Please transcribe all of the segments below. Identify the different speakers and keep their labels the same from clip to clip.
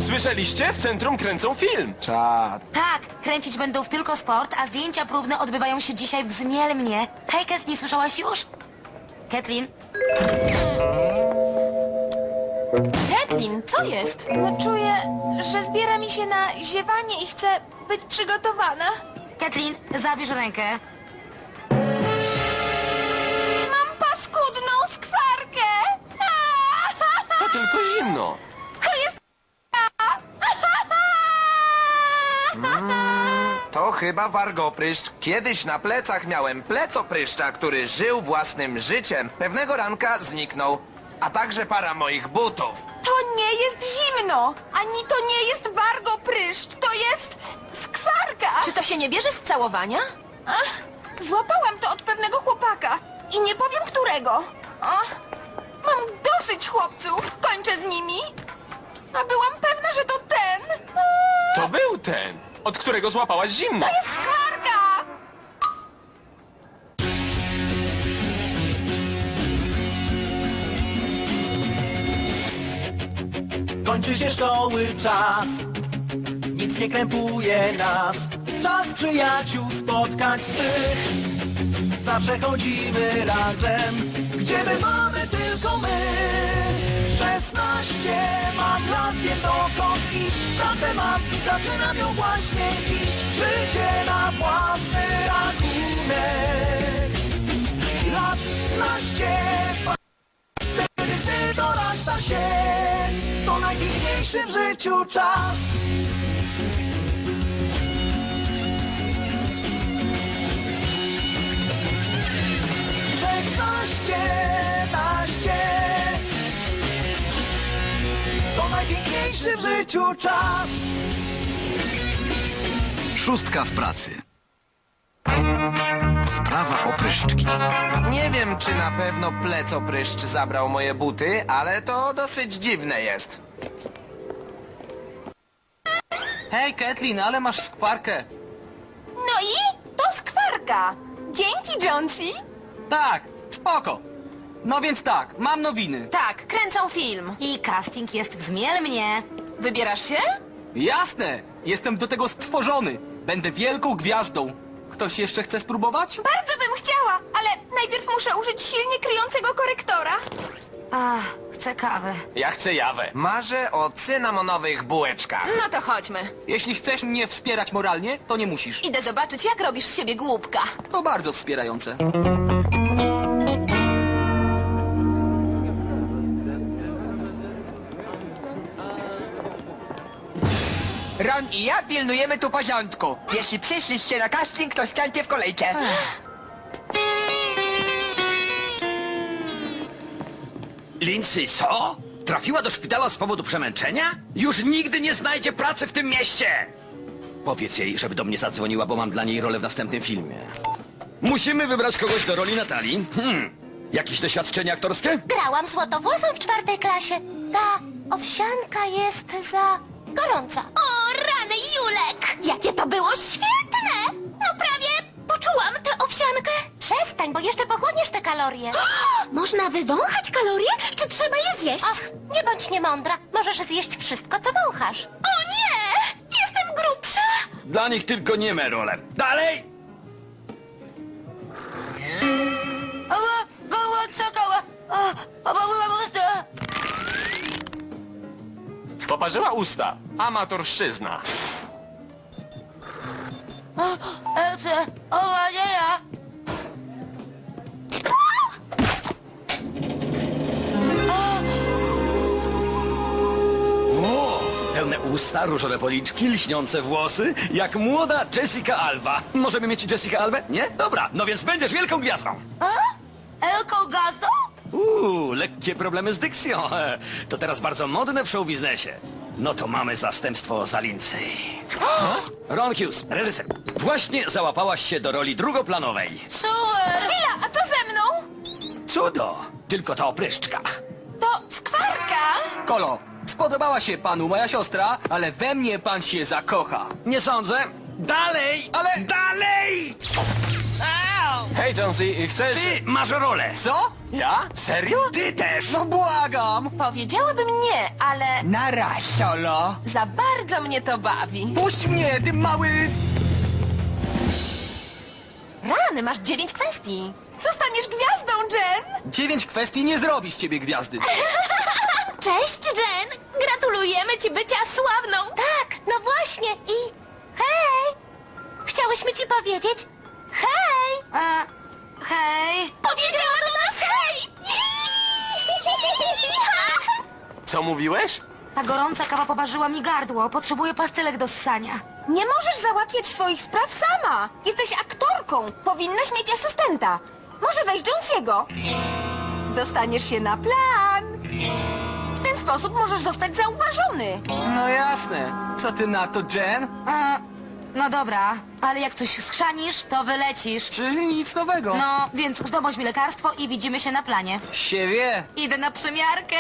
Speaker 1: Słyszeliście? W centrum kręcą film.
Speaker 2: Czad.
Speaker 3: Tak, kręcić będą w Tylko Sport, a zdjęcia próbne odbywają się dzisiaj w Zmielmnie. Hej, Kathleen, słyszałaś już? Kathleen?
Speaker 4: Kathleen, co jest? No czuję, że zbiera mi się na ziewanie i chcę być przygotowana.
Speaker 3: Kathleen, zabierz rękę.
Speaker 4: Mam paskudną skwarkę!
Speaker 1: To tylko zimno.
Speaker 4: To jest...
Speaker 2: To chyba wargopryszcz. Kiedyś na plecach miałem plecopryszcza, który żył własnym życiem. Pewnego ranka zniknął, a także para moich butów.
Speaker 4: To nie jest zimno! Ani to nie jest wargopryszcz! To jest... skwarka!
Speaker 5: Czy to się nie bierze z całowania?
Speaker 4: Ach, złapałam to od pewnego chłopaka. I nie powiem którego. Mam dosyć chłopców. Kończę z nimi. A byłam pewna, że to ten.
Speaker 1: To był ten, od którego złapałaś zimno.
Speaker 4: To jest skwarka!
Speaker 6: Kończy się szkoły czas, nic nie krępuje nas. Czas przyjaciół spotkań swych. Zawsze chodzimy razem, gdzie bywamy tylko my. 16 mam lat, wiem dokąd iść. Pracę mam i zaczynam ją właśnie dziś. Życie na własny rachunek. Lat naście, wtedy gdy dorasta się, to najpiękniejszy w życiu czas. To najpiękniejszy w życiu czas.
Speaker 7: Szóstka w pracy. Sprawa opryszczki.
Speaker 2: Nie wiem, czy na pewno plecopryszcz zabrał moje buty, ale to dosyć dziwne jest.
Speaker 8: Hej, Kathleen, ale masz skwarkę.
Speaker 4: No i? To skwarka. Dzięki, Jonesy.
Speaker 8: Tak, spoko. No więc tak, mam nowiny.
Speaker 5: Tak, kręcą film.
Speaker 3: I casting jest w Zmielmnie.
Speaker 5: Wybierasz się?
Speaker 8: Jasne, jestem do tego stworzony. Będę wielką gwiazdą. Ktoś jeszcze chce spróbować?
Speaker 4: Bardzo bym chciała, ale najpierw muszę użyć silnie kryjącego korektora.
Speaker 3: Ach, chcę kawy.
Speaker 1: Ja chcę jawę.
Speaker 2: Marzę o cynamonowych bułeczkach.
Speaker 5: No to chodźmy.
Speaker 8: Jeśli chcesz mnie wspierać moralnie, to nie musisz.
Speaker 5: Idę zobaczyć, jak robisz z siebie głupka.
Speaker 8: To bardzo wspierające.
Speaker 9: Ron i ja pilnujemy tu porządku. Jeśli przyszliście na casting, to stańcie w kolejce.
Speaker 7: Lindsay, co? Trafiła do szpitala z powodu przemęczenia? Już nigdy nie znajdzie pracy w tym mieście! Powiedz jej, żeby do mnie zadzwoniła, bo mam dla niej rolę w następnym filmie. Musimy wybrać kogoś do roli Natalii. Jakieś doświadczenie aktorskie?
Speaker 3: Grałam złotowłosą w 4. klasie. Ta owsianka jest za gorąca.
Speaker 4: O, rany Julek! Jakie to było świetne! No prawie poczułam tę owsiankę.
Speaker 3: Przestań, bo jeszcze pochłoniesz te kalorie.
Speaker 4: Można wywąchać kalorie, czy trzeba je zjeść?
Speaker 3: Ach, nie bądź niemądra. Możesz zjeść wszystko, co wąchasz.
Speaker 4: O nie! Jestem grubsza!
Speaker 7: Dla nich tylko nieme role. Dalej!
Speaker 1: Poparzyła usta. Amatorszczyzna.
Speaker 7: O, pełne usta, różowe policzki, lśniące włosy, jak młoda Jessica Alba. Możemy mieć Jessica Albę? Nie? Dobra, no więc będziesz wielką gwiazdą.
Speaker 3: Elką gazdą?
Speaker 7: Lekkie problemy z dykcją. To teraz bardzo modne w showbiznesie. No to mamy zastępstwo za Lindsay. Ron Hughes, reżyser. Właśnie załapałaś się do roli drugoplanowej.
Speaker 3: Super!
Speaker 4: Chwila, a co ze mną?
Speaker 7: Cudo! Tylko ta opryszczka.
Speaker 4: To skwarka!
Speaker 8: Kolo, spodobała się panu moja siostra, ale we mnie pan się zakocha.
Speaker 7: Nie sądzę. Dalej!
Speaker 8: Ale-
Speaker 7: Dalej!
Speaker 8: Au!
Speaker 1: Hej, Jonesy, chcesz...
Speaker 7: Ty masz rolę.
Speaker 8: Co?
Speaker 1: Ja? Serio?
Speaker 7: Ty też.
Speaker 8: No błagam!
Speaker 5: Powiedziałabym nie, ale
Speaker 9: Na raz, Solo.
Speaker 5: za bardzo mnie to bawi.
Speaker 8: Puść mnie, ty mały...
Speaker 5: Rany, masz 9 kwestii.
Speaker 4: Zostaniesz gwiazdą, Jen!
Speaker 8: 9 kwestii nie zrobi z ciebie gwiazdy.
Speaker 3: Cześć, Jen! Gratulujemy ci bycia sławną! Tak, no właśnie i... Hej! Chciałyśmy ci powiedzieć... Hej! Hej! Powiedziała do nas hej!
Speaker 1: Co mówiłeś?
Speaker 3: Ta gorąca kawa poparzyła mi gardło. Potrzebuję pastylek do ssania.
Speaker 4: Nie możesz załatwiać swoich spraw sama. Jesteś aktorką. Powinnaś mieć asystenta. Może weź Jonesiego. Dostaniesz się na plan. W ten sposób możesz zostać zauważony.
Speaker 8: No jasne. Co ty na to, Jen?
Speaker 3: No dobra, ale jak coś schrzanisz, to wylecisz.
Speaker 8: Czyli nic nowego.
Speaker 3: No, więc zdobądź mi lekarstwo i widzimy się na planie.
Speaker 8: Się wie.
Speaker 3: Idę na przymiarkę.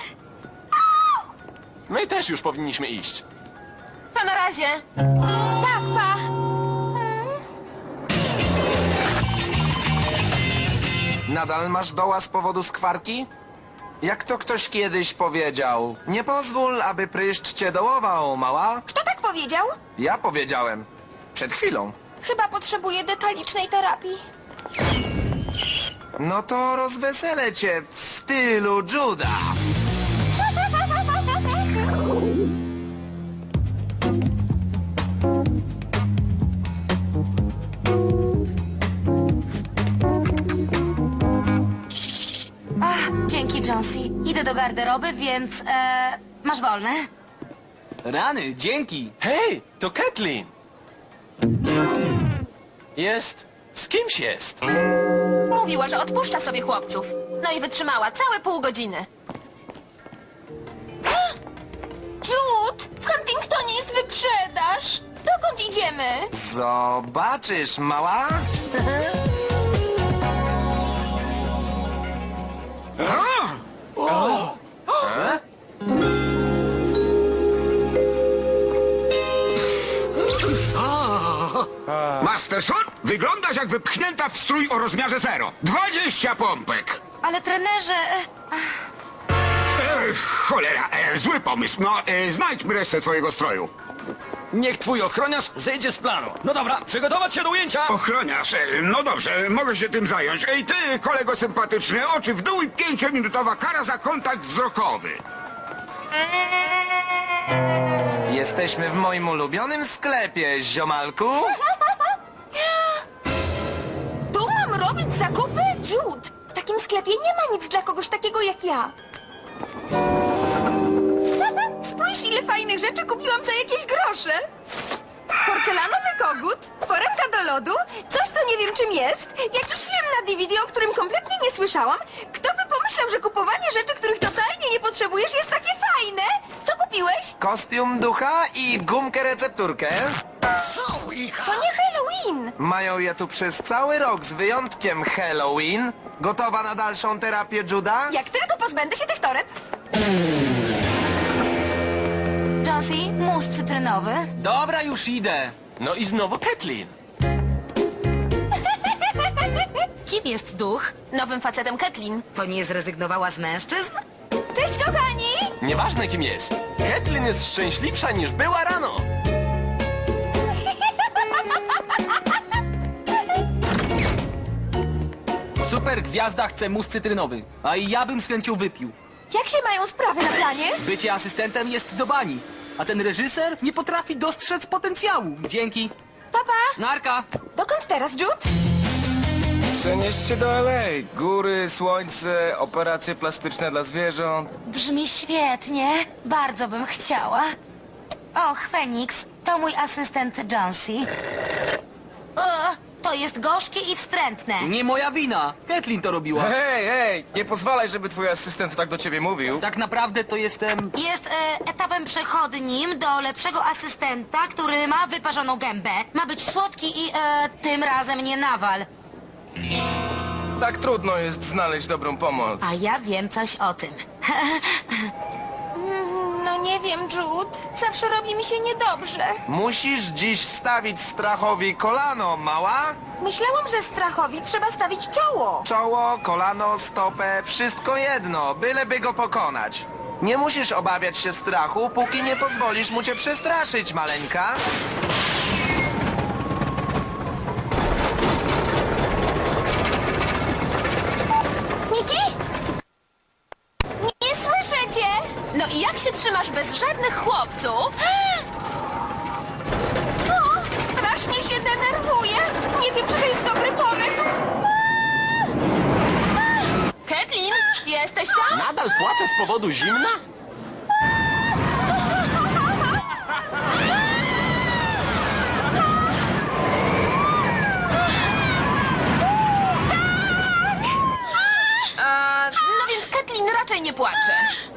Speaker 1: My też już powinniśmy iść.
Speaker 5: To na razie.
Speaker 4: Tak, pa.
Speaker 2: Nadal masz doła z powodu skwarki? Jak to ktoś kiedyś powiedział, nie pozwól, aby pryszcz cię dołował, mała.
Speaker 4: Kto tak powiedział?
Speaker 2: Ja powiedziałem. Przed chwilą.
Speaker 4: Chyba potrzebuję detalicznej terapii.
Speaker 2: No to rozweselę cię w stylu Juda.
Speaker 3: Dzięki, Jonesy. Idę do garderoby, więc... masz wolne?
Speaker 8: Rany, dzięki.
Speaker 1: Hej, to Kathleen! Jest... z kimś jest.
Speaker 5: Mówiła, że odpuszcza sobie chłopców. No i wytrzymała całe pół godziny.
Speaker 4: Jude, w Huntingtonie jest wyprzedaż. Dokąd idziemy?
Speaker 2: Zobaczysz, mała.
Speaker 10: Masterson, wyglądasz jak wypchnięta w strój o rozmiarze 0. 20 pompek.
Speaker 3: Ale trenerze...
Speaker 10: Cholera, zły pomysł. No, znajdźmy resztę twojego stroju.
Speaker 7: Niech twój ochroniarz zejdzie z planu. No dobra, przygotować się do ujęcia.
Speaker 10: Ochroniarz, no dobrze, mogę się tym zająć. Ej, ty, kolego sympatyczny, oczy w dół i 5-minutowa kara za kontakt wzrokowy.
Speaker 2: Jesteśmy w moim ulubionym sklepie, ziomalku.
Speaker 4: Tu mam robić zakupy? Jude, w takim sklepie nie ma nic dla kogoś takiego jak ja. Spójrz, ile fajnych rzeczy kupiłam za jakieś grosze. Porcelanowy kogut, foremka do lodu, coś, co nie wiem czym jest, jakiś film na DVD, o którym kompletnie nie słyszałam. Kto by pomyślał, że kupowanie rzeczy, których totalnie nie potrzebujesz, jest takie fajne? Co kupiłeś?
Speaker 2: Kostium ducha i gumkę recepturkę.
Speaker 4: To nie Halloween.
Speaker 2: Mają je tu przez cały rok z wyjątkiem Halloween. Gotowa na dalszą terapię, Juda?
Speaker 4: Jak tylko pozbędę się tych toreb.
Speaker 3: Jonesy, mus cytrynowy.
Speaker 8: Dobra, już idę.
Speaker 1: No i znowu Kathleen.
Speaker 3: Kim jest duch?
Speaker 5: Nowym facetem Kathleen.
Speaker 3: To nie zrezygnowała z mężczyzn?
Speaker 4: Cześć, kochani!
Speaker 1: Nieważne kim jest. Kathleen jest szczęśliwsza niż była rano.
Speaker 8: Super gwiazda chce mus cytrynowy. A i ja bym z chęcią wypił.
Speaker 4: Jak się mają sprawy na planie?
Speaker 8: Bycie asystentem jest do bani. A ten reżyser nie potrafi dostrzec potencjału. Dzięki.
Speaker 4: Papa,
Speaker 8: Narka.
Speaker 4: dokąd teraz, Jude?
Speaker 11: Przenieść się do LA. Góry, słońce, operacje plastyczne dla zwierząt.
Speaker 3: Brzmi świetnie. Bardzo bym chciała. Och, Feniks, to mój asystent Jonesy. To jest gorzkie i wstrętne.
Speaker 8: Nie moja wina. Kathleen to robiła.
Speaker 11: Hej, nie pozwalaj, żeby twój asystent tak do ciebie mówił.
Speaker 8: Tak naprawdę to jestem...
Speaker 3: Jest etapem przechodnim do lepszego asystenta, który ma wyparzoną gębę. Ma być słodki i tym razem nie nawal.
Speaker 11: Tak trudno jest znaleźć dobrą pomoc.
Speaker 3: A ja wiem coś o tym.
Speaker 4: No nie wiem, Jude. Zawsze robi mi się niedobrze.
Speaker 2: Musisz dziś stawić strachowi kolano, mała.
Speaker 4: Myślałam, że strachowi trzeba stawić czoło.
Speaker 2: Czoło, kolano, stopę, wszystko jedno, byleby go pokonać. Nie musisz obawiać się strachu, póki nie pozwolisz mu cię przestraszyć, maleńka.
Speaker 4: Niki? Nie słyszę cię!
Speaker 5: No i jak się trzymasz bez żadnych chłopców?
Speaker 4: O, strasznie się denerwuję. Nie wiem, czy to jest dobry pomysł.
Speaker 5: Kathleen, jesteś tam?
Speaker 1: Nadal płacze z powodu zimna?
Speaker 5: No więc Kathleen raczej nie płacze.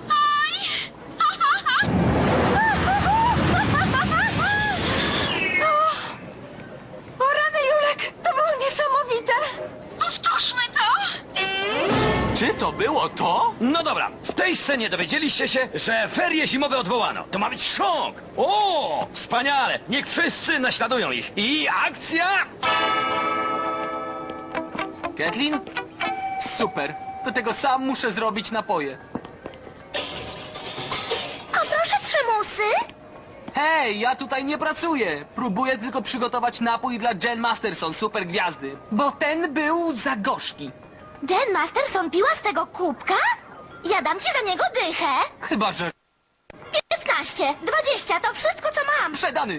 Speaker 4: O rany, Julek, to było niesamowite. Powtórzmy to.
Speaker 1: Czy to było to?
Speaker 7: No dobra, w tej scenie dowiedzieliście się, że ferie zimowe odwołano. To ma być szok! O, wspaniale! Niech wszyscy naśladują ich. I akcja!
Speaker 8: Kathleen? Super. Do tego sam muszę zrobić napoje.
Speaker 3: A proszę 3 musy.
Speaker 8: Hej, ja tutaj nie pracuję. Próbuję tylko przygotować napój dla Jen Masterson, super gwiazdy. Bo ten był za gorzki.
Speaker 3: Jen Masterson piła z tego kubka? Ja dam ci za niego dychę.
Speaker 8: Chyba, że
Speaker 3: 15, 20, to wszystko, co mam.
Speaker 8: sprzedany.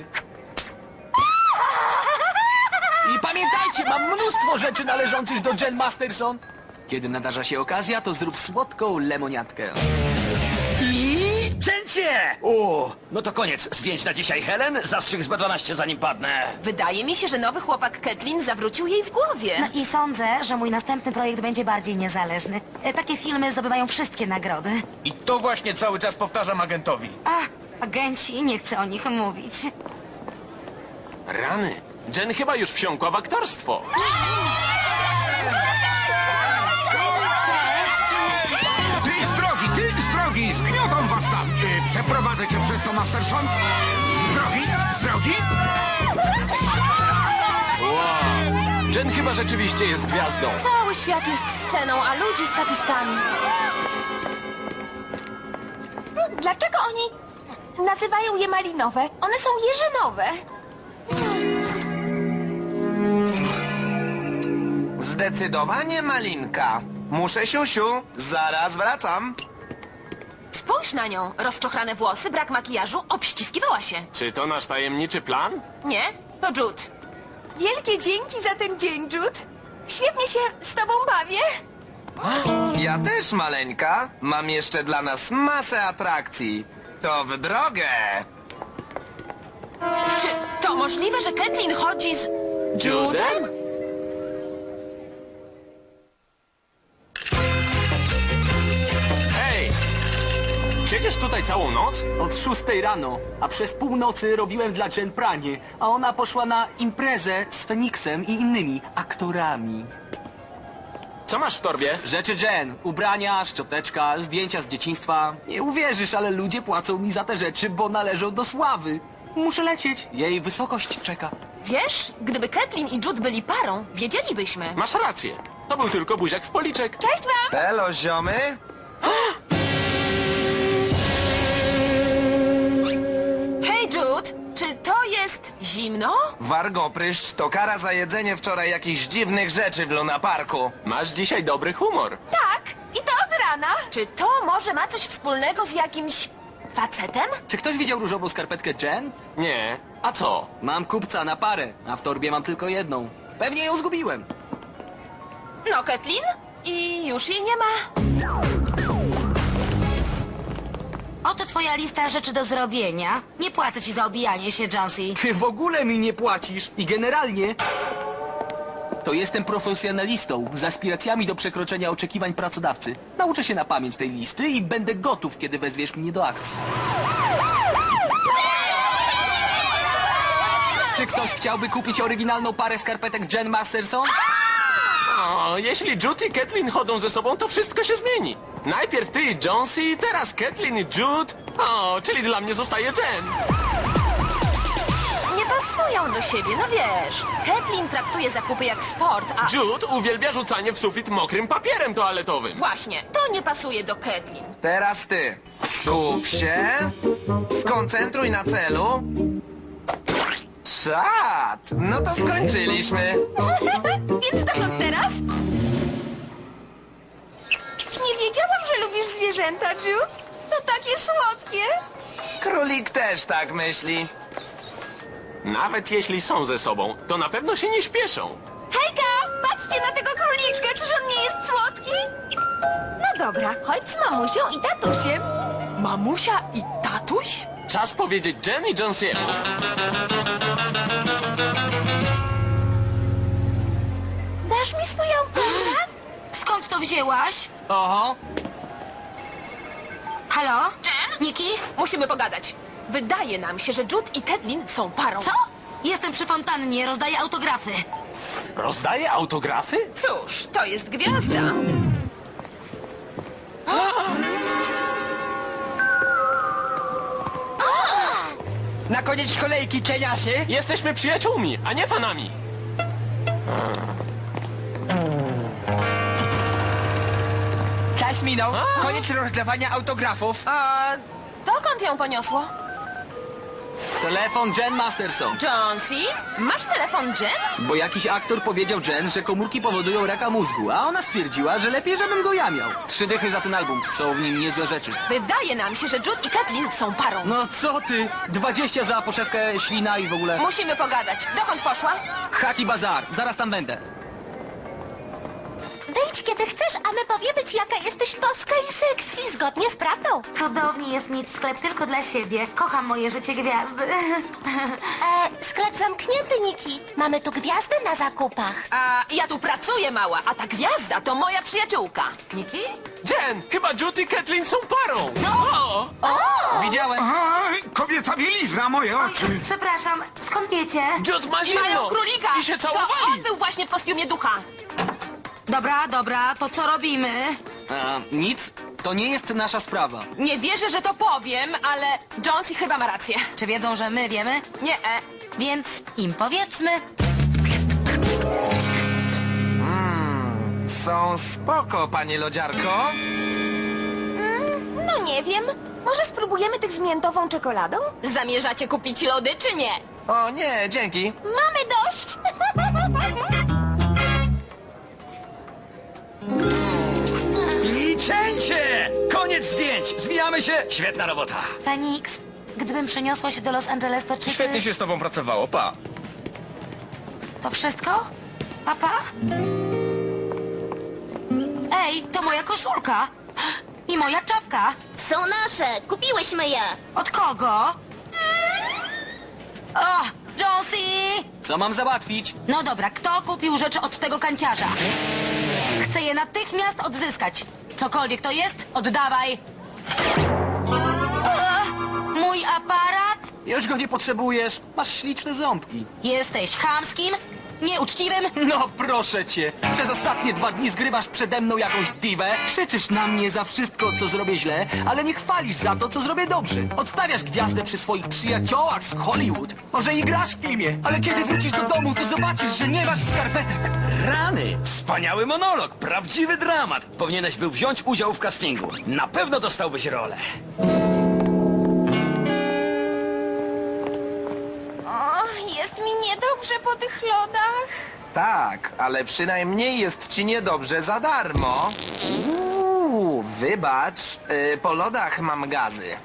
Speaker 8: I pamiętajcie, mam mnóstwo rzeczy należących do Jen Masterson. Kiedy nadarza się okazja, to zrób słodką lemoniatkę.
Speaker 7: I cięcie! O, no to koniec. Zdjęć na dzisiaj, Helen. Zastrzyk z B12, zanim padnę.
Speaker 5: Wydaje mi się, że nowy chłopak Kathleen zawrócił jej w głowie.
Speaker 3: No i sądzę, że mój następny projekt będzie bardziej niezależny. Takie filmy zdobywają wszystkie nagrody.
Speaker 11: I to właśnie cały czas powtarzam agentowi.
Speaker 3: A, agenci, nie chcę o nich mówić.
Speaker 1: Rany. Jen chyba już wsiąkła w aktorstwo.
Speaker 10: Ty z drogi, zgniotą was tam! Przeprowadzę cię przez to, Masterson. Z drogi?
Speaker 1: Wow. Jen chyba rzeczywiście jest gwiazdą.
Speaker 5: Cały świat jest sceną, a ludzie statystami.
Speaker 4: Dlaczego oni nazywają je malinowe? One są jeżynowe.
Speaker 2: Zdecydowanie malinka. Muszę siusiu, zaraz wracam.
Speaker 5: Spójrz na nią. Rozczochrane włosy, brak makijażu, obściskiwała się.
Speaker 1: Czy to nasz tajemniczy plan?
Speaker 5: Nie? To Jude.
Speaker 4: Wielkie dzięki za ten dzień, Jude. Świetnie się z tobą bawię.
Speaker 2: Ja też, maleńka. Mam jeszcze dla nas masę atrakcji. To w drogę.
Speaker 5: Czy to możliwe, że Kathleen chodzi z
Speaker 1: Judem? Hej! Siedzisz tutaj całą noc?
Speaker 8: Od 6 rano, a przez północy robiłem dla Jen pranie, a ona poszła na imprezę z Feniksem i innymi aktorami.
Speaker 1: Co masz w torbie?
Speaker 8: Rzeczy Jen, ubrania, szczoteczka, zdjęcia z dzieciństwa. Nie uwierzysz, ale ludzie płacą mi za te rzeczy, bo należą do sławy. Muszę lecieć, jej wysokość czeka.
Speaker 5: Wiesz, gdyby Kathleen i Jude byli parą, wiedzielibyśmy.
Speaker 1: Masz rację. To był tylko buziak w policzek.
Speaker 5: Cześć wam!
Speaker 2: Elo, ziomy.
Speaker 5: Hej Jude, czy to jest zimno?
Speaker 2: Wargopryszcz to kara za jedzenie wczoraj jakichś dziwnych rzeczy w Luna Parku.
Speaker 1: Masz dzisiaj dobry humor.
Speaker 4: Tak, i to od rana.
Speaker 5: Czy to może ma coś wspólnego z jakimś facetem?
Speaker 8: Czy ktoś widział różową skarpetkę Jen?
Speaker 1: Nie. A co?
Speaker 8: Mam kupca na parę, a w torbie mam tylko jedną. Pewnie ją zgubiłem.
Speaker 5: No, Kathleen? I już jej nie ma.
Speaker 3: Oto twoja lista rzeczy do zrobienia. Nie płacę ci za obijanie się, Jonesy.
Speaker 8: Ty w ogóle mi nie płacisz i generalnie to jestem profesjonalistą z aspiracjami do przekroczenia oczekiwań pracodawcy. Nauczę się na pamięć tej listy i będę gotów, kiedy wezwiesz mnie do akcji. Czy ktoś chciałby kupić oryginalną parę skarpetek Jen Masterson?
Speaker 1: O, jeśli Jude i Kathleen chodzą ze sobą, to wszystko się zmieni. Najpierw ty i Jonesy, teraz Kathleen i Jude. O, czyli dla mnie zostaje Jen.
Speaker 5: nie pasują do siebie, no wiesz. Kathleen traktuje zakupy jak sport, a...
Speaker 1: Jude uwielbia rzucanie w sufit mokrym papierem toaletowym.
Speaker 5: Właśnie, to nie pasuje do Kathleen.
Speaker 2: Teraz ty. Skup się. Skoncentruj na celu. Czad! No to skończyliśmy.
Speaker 4: Więc dokąd teraz? Nie wiedziałam, że lubisz zwierzęta, Jude. To takie słodkie.
Speaker 2: Królik też tak myśli.
Speaker 1: Nawet jeśli są ze sobą, to na pewno się nie śpieszą.
Speaker 4: Hejka, patrzcie na tego króliczka, czyż on nie jest słodki? No dobra, chodź z mamusią i tatusiem.
Speaker 5: Mamusia i tatuś?
Speaker 1: Czas powiedzieć Jen i Jonesiemu.
Speaker 4: Dasz mi swój autograf?
Speaker 3: Skąd to wzięłaś?
Speaker 8: Oho,
Speaker 3: Halo?
Speaker 5: Jen?
Speaker 3: Niki?
Speaker 5: Musimy pogadać. Wydaje nam się, że Jude i Kathleen są parą.
Speaker 3: Co? Jestem przy fontannie, rozdaję autografy.
Speaker 1: Rozdaje autografy?
Speaker 5: Cóż, to jest gwiazda.
Speaker 9: Na koniec kolejki, cieniasy.
Speaker 1: Jesteśmy przyjaciółmi, a nie fanami.
Speaker 9: Czas minął. Koniec rozdawania autografów.
Speaker 5: A dokąd ją poniosło?
Speaker 8: telefon Jen Masterson.
Speaker 5: Jonesy? Masz telefon Jen?
Speaker 8: Bo jakiś aktor powiedział Jen, że komórki powodują raka mózgu, a ona stwierdziła, że lepiej, żebym go ja miał. 3 dychy za ten album. Są w nim niezłe rzeczy.
Speaker 5: Wydaje nam się, że Jude i Kathleen są parą.
Speaker 8: No co ty? 20 za poszewkę, ślina i w ogóle.
Speaker 5: Musimy pogadać. Dokąd poszła?
Speaker 8: Haki Bazar. Zaraz tam będę.
Speaker 4: Wyjdź kiedy chcesz, a my powiemy ci, jaka jesteś boska i sexy, zgodnie z prawdą.
Speaker 3: Cudownie jest mieć sklep tylko dla siebie. Kocham moje życie gwiazdy.
Speaker 4: Sklep zamknięty, Niki. Mamy tu gwiazdę na zakupach.
Speaker 5: A ja tu pracuję, mała, a ta gwiazda to moja przyjaciółka.
Speaker 3: Niki?
Speaker 1: Jen, chyba Jude i Kathleen są parą.
Speaker 3: Co?
Speaker 8: Widziałem.
Speaker 10: Aj, kobieca bielizna, moje oczy.
Speaker 3: Przepraszam, skąd wiecie?
Speaker 1: Jude ma
Speaker 5: I mają
Speaker 1: zimno.
Speaker 5: królika!
Speaker 1: I się
Speaker 5: To
Speaker 1: całowali.
Speaker 5: on był właśnie w kostiumie ducha.
Speaker 3: Dobra, to co robimy?
Speaker 8: Nic. To nie jest nasza sprawa.
Speaker 5: Nie wierzę, że to powiem, ale Jonesy chyba ma rację.
Speaker 3: Czy wiedzą, że my wiemy?
Speaker 5: Nie,
Speaker 3: Więc im powiedzmy.
Speaker 2: Są spoko, pani lodziarko.
Speaker 4: No nie wiem. Może spróbujemy tych z miętową czekoladą?
Speaker 5: zamierzacie kupić lody, czy nie?
Speaker 2: O nie, dzięki.
Speaker 4: Mamy dość.
Speaker 7: I cięcie! Koniec zdjęć! Zwijamy się! Świetna robota!
Speaker 3: Fenix, gdybym przeniosła się do Los Angeles, to czy
Speaker 11: Świetnie
Speaker 3: ty...
Speaker 11: się z tobą pracowało, pa.
Speaker 3: To wszystko? Papa? Ej, to moja koszulka. I moja czapka.
Speaker 4: Są nasze. Kupiłyśmy je.
Speaker 3: Od kogo? O, Jonesy!
Speaker 8: Co mam załatwić?
Speaker 3: No dobra, kto kupił rzeczy od tego kanciarza? Chcę je natychmiast odzyskać. Cokolwiek to jest, oddawaj. Mój aparat?
Speaker 8: Już go nie potrzebujesz. Masz śliczne ząbki.
Speaker 3: Jesteś chamskim, nieuczciwym.
Speaker 8: No proszę cię. Przez ostatnie 2 dni zgrywasz przede mną jakąś diwę, krzyczysz na mnie za wszystko, co zrobię źle, ale nie chwalisz za to, co zrobię dobrze. Odstawiasz gwiazdę przy swoich przyjaciołach z Hollywood. Może i grasz w filmie, ale kiedy wrócisz do domu, to zobaczysz, że nie masz skarpetek.
Speaker 7: Rany! Wspaniały monolog! Prawdziwy dramat! Powinieneś był wziąć udział w castingu. Na pewno dostałbyś rolę.
Speaker 4: O, jest mi niedobrze po tych lodach.
Speaker 2: Tak, ale przynajmniej jest ci niedobrze za darmo. Wybacz, po lodach mam gazy.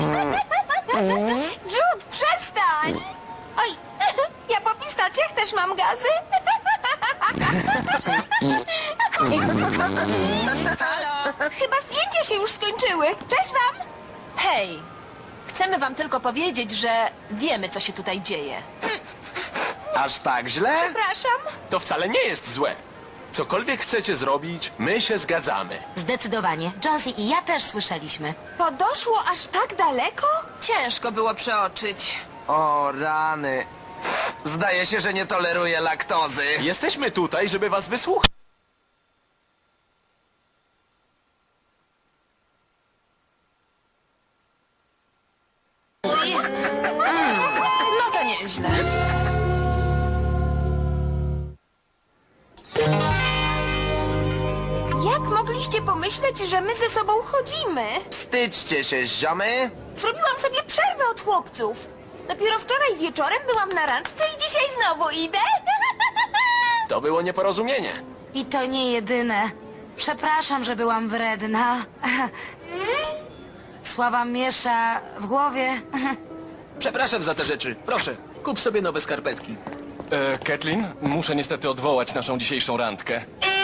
Speaker 4: Jude, przestań! Oj, ja po pistacjach też mam gazy.
Speaker 5: Halo?
Speaker 4: Chyba zdjęcia się już skończyły. Cześć wam!
Speaker 5: Hej, chcemy wam tylko powiedzieć, że wiemy, co się tutaj dzieje.
Speaker 2: Aż tak źle?
Speaker 4: Przepraszam.
Speaker 1: To wcale nie jest złe. Cokolwiek chcecie zrobić, my się zgadzamy.
Speaker 3: Zdecydowanie. Jonesy i ja też słyszeliśmy.
Speaker 4: To doszło aż tak daleko?
Speaker 5: Ciężko było przeoczyć.
Speaker 2: O rany. Zdaje się, że nie toleruję laktozy.
Speaker 1: Jesteśmy tutaj, żeby was wysłuchać.
Speaker 5: No to nieźle.
Speaker 4: mogliście pomyśleć, że my ze sobą chodzimy?
Speaker 2: Wstydźcie się, ziomy.
Speaker 4: Zrobiłam sobie przerwę od chłopców. Dopiero wczoraj wieczorem byłam na randce i dzisiaj znowu idę.
Speaker 1: To było nieporozumienie.
Speaker 3: I to nie jedyne. Przepraszam, że byłam wredna. Słaba miesza w głowie.
Speaker 8: Przepraszam za te rzeczy. Proszę, kup sobie nowe skarpetki.
Speaker 11: Kathleen, muszę niestety odwołać naszą dzisiejszą randkę.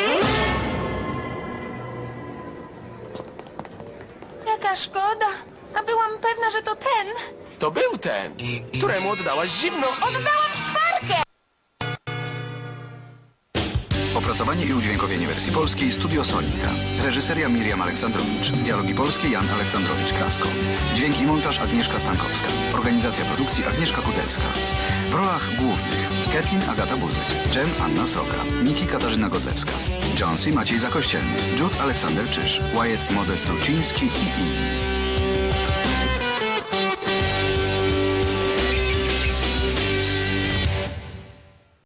Speaker 4: Jaka szkoda. A byłam pewna, że to ten.
Speaker 1: To był ten, któremu oddałaś zimno.
Speaker 4: Oddałam skwarkę.
Speaker 12: Opracowanie i udźwiękowienie wersji polskiej Studio Sonika. Reżyseria Miriam Aleksandrowicz. Dialogi polskie Jan Aleksandrowicz-Krasko. Dźwięk i montaż Agnieszka Stankowska. Organizacja produkcji Agnieszka Kudelska. W rolach głównych Kathleen Agata Buzyk, Jem Anna Sroka, Niki Katarzyna Godlewska, Jonesy Maciej Zakościelny, Jude Aleksander Czyż, Wyatt Modest Truciński i inni.